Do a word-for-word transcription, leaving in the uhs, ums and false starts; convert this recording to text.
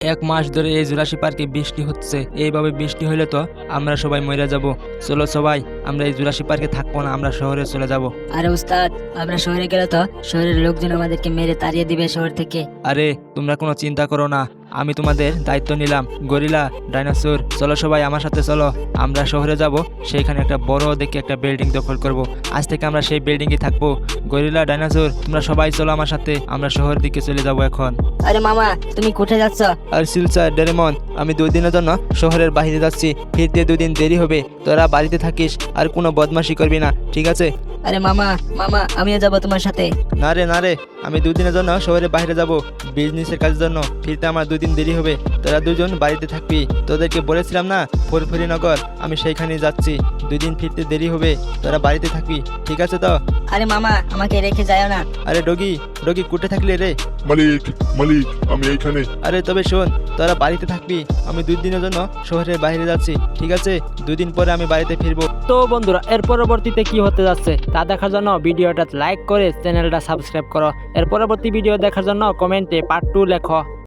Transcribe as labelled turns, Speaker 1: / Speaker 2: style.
Speaker 1: এক মাস ধরে এই জুরাসি পার্কে বৃষ্টি হচ্ছে। এইভাবে বৃষ্টি হলে তো আমরা সবাই মরে যাব। চলো সবাই, আমরা এই জুরাসি পার্কে থাকবো না, আমরা শহরে চলে যাব।
Speaker 2: আরে উস্তাদ, আমরা শহরে গেলে তো শহরের লোকজন আমাদেরকে মেরে তাড়িয়ে দিবে শহর থেকে।
Speaker 1: আরে তোমরা কোনো চিন্তা করো না, আমি তোমাদের দায়িত্ব নিলাম। গরিলা, ডাইনোসর, চলো সবাই আমার সাথে চলো। আমরা শহরে যাব, সেখানে একটা বড় দেখে একটা বিল্ডিং দখল করব। আজ থেকে আমরা সেই বিল্ডিংয়ে থাকবো। গরিলা, ডাইনোসর, তোমরা সবাই চলো আমার সাথে, আমরা শহরের দিকে চলে যাব এখন।
Speaker 2: আরে মামা, তুমি কোথায় যাচ্ছ?
Speaker 1: আর সিলচার, ডোরেমন, আমি দুই দিনের জন্য শহরের বাইরে যাচ্ছি। ফিরতে দুই দিন দেরি হবে। তোরা বাড়িতে থাকিস আর কোনো বদমাশি করবি না, ঠিক আছে?
Speaker 2: আরে মামা, মামা আমিও যাবো তোমার সাথে।
Speaker 1: না রে না রে, আমি দুই দিনের জন্য শহরের বাইরে যাব বিজনেসের কাজের জন্য। ফিরতে আমার দুই দিন দেরি হবে। তোরা দুজন বাড়িতে থাকবি। তোদেরকে বলেছিলাম না ফুরফুরি নগর, আমি সেইখানে যাচ্ছি। দুই দিন ফিরতে দেরি হবে, তোরা বাড়িতে থাকবি, ঠিক আছে তো?
Speaker 2: আরে মামা, আমাকে রেখে যাও না।
Speaker 1: আরে ডগি, ডগি কুটে থাকলে রে?
Speaker 3: মালিক মালিক আমি এইখানে।
Speaker 1: আরে তবে শোন, তোরা বাড়িতে থাকবি। আমি দুই দিনের জন্য শহরের বাইরে যাচ্ছি, ঠিক আছে? দুই দিন পরে আমি বাড়িতে ফিরবো।
Speaker 4: তো বন্ধুরা, এর পরবর্তীতে কি হতে যাচ্ছে তা দেখার জন্য ভিডিওটা লাইক করে চ্যানেলটা সাবস্ক্রাইব করো। এর পরবর্তী ভিডিও দেখার জন্য কমেন্টে পার্ট টু লেখো।